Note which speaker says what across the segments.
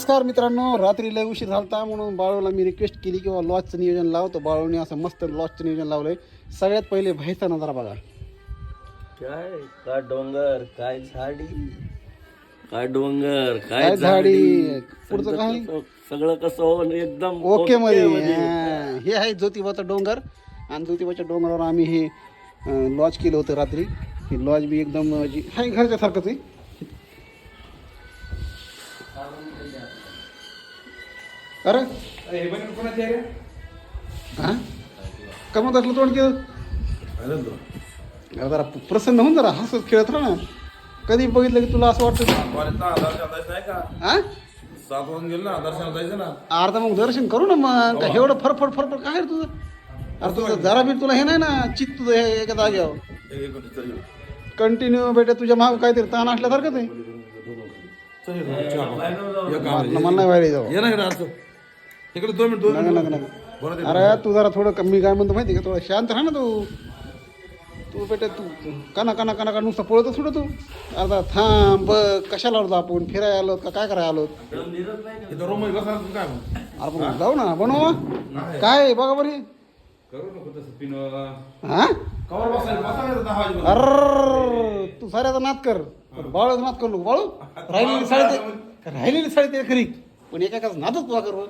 Speaker 1: नमस्कार मित्रांनो, रात्री लय उशीर झालता म्हणून बाळूला मी रिक्वेस्ट केली की लॉजचं नियोजन लावतो. बाळूने असं मस्त लॉजचं नियोजन लावलंय. सगळ्यात पहिले बाहेरचा नजारा बघा.
Speaker 2: काय काय डोंगर, काय झाडी, काय डोंगर,
Speaker 1: काय झाडी, पुढचं काय
Speaker 2: सगळं कसं होऊन एकदम
Speaker 1: ओके मध्ये. हे आहे ज्योतिबाचा डोंगर आणि ज्योतिबाच्या डोंगरावर आम्ही हे लॉज केलं होतं रात्री. हे लॉज बी एकदम हाय घरच्या सारखंच आहे. अरे हा कमत असलं तोंड केलं जरा प्रसन्न होऊन जरा हसत खेळत राहा ना. कधी बघितलं की तुला असं वाटतं अर्धा मग दर्शन करू ना. मग काय एवढं फरफड फरफड काय रे तुझं? अरे तुझं जरा बी तुला हे नाही ना चित्त तुझं हे एका जाग्यावर कंटिन्यू बेटा तुझ्या माग काहीतरी ताण असल्यासारखं ते मला नाही व्हायला जाऊ.
Speaker 3: इकडे 2 मिनिट
Speaker 1: अरे तू जरा थोडं कमी काय म्हणतो माहिती का? थोडं शांत राहा ना तू बेटा. तू काना काना काना का नुसतं पळतच थोडं तू. आता थांब बघ कशाला आलो आपण फिरायला आलो का काय करायला आलो? अरे पण जाऊ ना बनवा काय बघा बरी. हा अरे तू साऱ्याचा नाद कर, बाळूचा नाद करू नको. बाळू राहिलेली साडी ते खरी पण एकाच नादच तुला कर.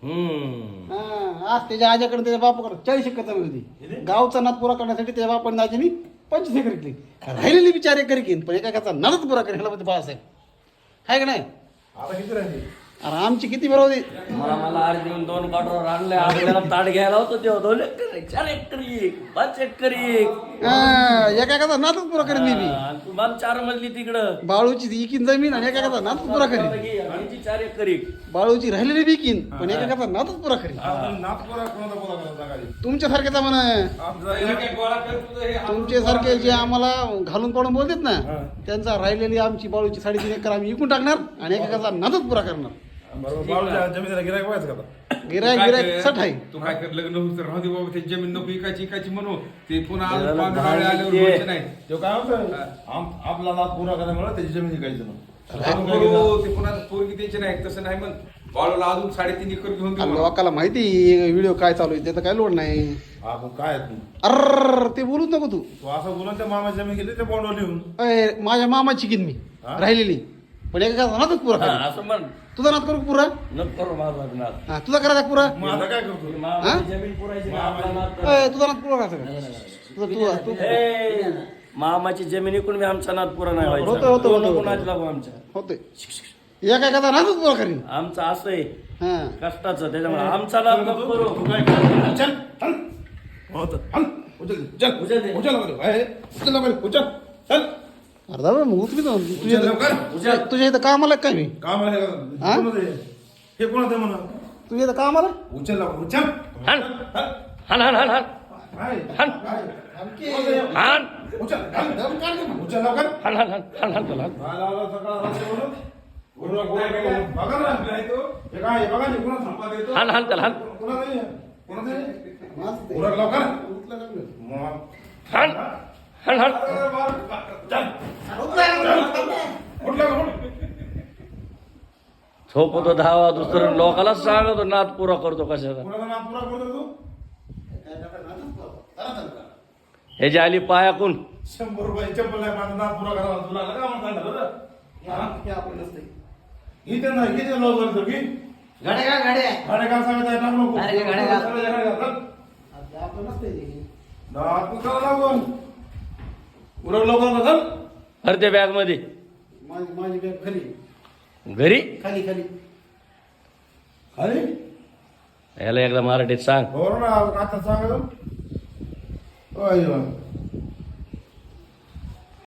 Speaker 1: आज त्याच्या आज्याकडे त्याच्या बापाकडे 40 एकर जमीन होती. गावचा नाद पुरा करण्यासाठी त्याच्या बापाने दाजीनी 25 एकर घेतली. राहिलेली बिचार एकर घेईन पण एकाचा नादच पुरा करेल ह्याला बाळासाहेब आहे का नाही? अरे आमची किती बरोबर
Speaker 2: मला आड देऊन 2 काठोर आणले. आपल्याला ताट घ्यायला होतं तेव्हा 2 एकर 4 एकर 5 एकर
Speaker 1: एकाचा नादच पुरा करेन मी बी.
Speaker 2: तू मला 4 मजली तिकडं
Speaker 1: बाळूची इकीन जमीन आणि एकाचा नादच पुरा करेन.
Speaker 2: 4 एकर
Speaker 1: बाळूची राहिलेली बिकीन पण एकाचा नादच पुरा करेन. तुमच्यासारखेचा म्हणा तुमच्यासारखे जे आम्हाला घालून पाडून बोलतात ना त्यांचा राहिलेली आमची बाळूची 3.5 एकर आम्ही विकून टाकणार आणि एकाचा नादच पुरा करणार. गिरायक सट आहे.
Speaker 3: तू काय कर लग्न होत राहू दे बाबा. ते जमीन नको इकायची म्हणू ते पुन्हा आल्यावर नाही तो काय होतं आपला नाद पुरा करायला त्याची जमीन इकायचं ते पुन्हा पोरगी द्यायची नाही. तसं नाही मग बाळूला अजून 3.5 एकर घेऊन
Speaker 1: लोकाला माहिती व्हिडिओ काय चालू आहे त्याचं काय लोड नाही.
Speaker 3: काय
Speaker 1: अर ते बोलूच नको तू
Speaker 3: असं बोलून त्या मामा जमीन गेली त्या बॉन्डवर लिहून
Speaker 1: माझ्या मामाची किन मी राहिलेली पण एका नादच पुरा करेन.
Speaker 2: असं म्हण.
Speaker 1: तुझा नाद करू पुरा
Speaker 2: नको करू माझा नाद.
Speaker 1: तुझा करायचा पुरा.
Speaker 3: आता काय करतो
Speaker 2: जमीन पुरायची ना, आपला नाद कर.
Speaker 1: तुझा नाद पुरा करायचा
Speaker 2: मामाची जमीन इकडून मी आमचा नाद पुरा नाही व्हायचा.
Speaker 1: होतं.
Speaker 2: कोणाची लागू आमच्या
Speaker 1: होते एका नादच पुरा करीन.
Speaker 2: आमचं असं आहे
Speaker 1: हा
Speaker 2: कष्टाचं त्याच्यामुळे आमचा नाद नको करू.
Speaker 1: अर्धा वेळ मग उचली तुझ्या इथं कामाला काय मी
Speaker 3: हे कोणाचं म्हणा
Speaker 1: तुझ्या इथं कामाला
Speaker 3: उचल उचल
Speaker 2: हाण हाण हाण हाण हाण हाण हाण
Speaker 3: उचल
Speaker 2: हाण हाण हाण हाण हाण त्याला. हाण हाण त्याला हाण हाण हाण हाण. झोपतो 10 दुसरं लोकाला सांगतो नाद पुरा करतो कशाचा. हे जे आली पायाकून
Speaker 3: 100 रुपये चप्पल आहे माझा नाद पुरा करावा तुला का म्हणता इथे नाही किती लोक करतो की गाड्या काय सांगत आहे टाकू नको
Speaker 2: अरे त्या बॅग मध्ये
Speaker 1: माझी बॅग खाली
Speaker 2: घरी
Speaker 1: खाली खाली
Speaker 3: अरे
Speaker 2: याला एकदा मराठीत सांग.
Speaker 3: बरोबर ना आता सांगतो